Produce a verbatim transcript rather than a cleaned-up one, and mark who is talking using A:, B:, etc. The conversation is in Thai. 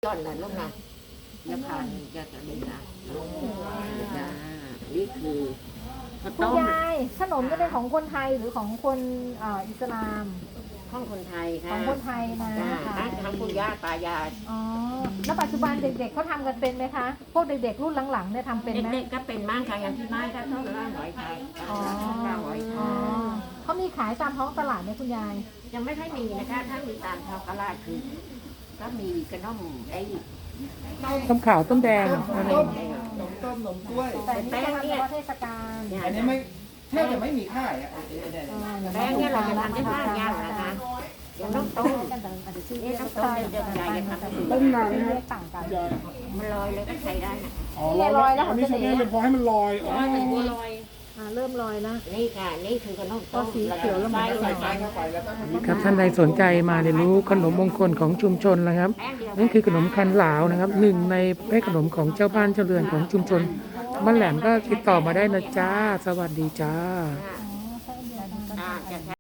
A: ต้นนะลูกนะยาพานยาจะมีนะจ้านี่คือข้าว
B: คุณ
A: ต้ม
B: ยายขนมจะเป็นของคนไทยหรือของคนเอ่ออิสลาม
A: ของคนไทย
B: ข
A: ค่ะ
B: องคนไทยนะ
A: จ้า
B: ค่ะ
A: ทั้งปู่ย่าตายาย
B: อ๋อแล้วปัจจุบันเด็กๆเขาทำกันเป็นไหมคะ พวกเด็กๆรุ่นหลังๆเนี่ยทำเป็นไหม
A: เด็กๆก็เป็นมากค่ะอย่างที่ไม้ก็ต้องล่าหอยไทย
B: อ๋อ
A: ล่าหอยไท
B: อ๋อย เขามีขายตามท้องตลาดไหมคุณยาย
A: ยังไม่ค่อยมีนะคะถ้ามีตามท้องตลาดคือ ก็มีกระน่มไอ้
C: ต้มขาวต้มแดงอะไร
D: ต้มขนมต้มขนมกล้วย
B: แต่นี่จะทำเฉพาะเทศกาล
A: เนี่ย
D: อันนี้ไม่แทบจะไม่มีค่ายอ่ะไอ้ไอ้เนี่ย
B: อ่าดี๋ว
A: แป้งเนี่ยเราจะทำได้ห้าอย่างนะคะอย่างน้ำต้ม
B: กันแต่อาจจะชื่อ
A: นี่
B: เรียก
A: น้ำต้มเดี๋ยวๆยายจะทำ
B: ต้มนานเรียกต่างกัน
A: มันลอยเลยก็ใช้ได้นะ
C: อ๋อลอยแล้วอันนี้ใช้ได้เลยพอให้มันลอยอ๋อ
B: อ่าเริ่มลอยแล้ว
A: นี่ค่ะนี่คือขนมต้ม
B: ก็สีเขียวแล้วมัน
D: ใส่ไฟเข้าไปแล้วก็
C: ครับท่านใดสนใจมาเรียนรู้ขนมมงคลของชุมชนนะครับนั่นคือขนมคันหลาวนะครับหนึ่งในแม่ขนมของเจ้าบ้านเจ้าเรือนของชุมชนบ้านแหลมก็ติดต่อมาได้นะจ้าสวัสดีจ้า
A: อ่าจะ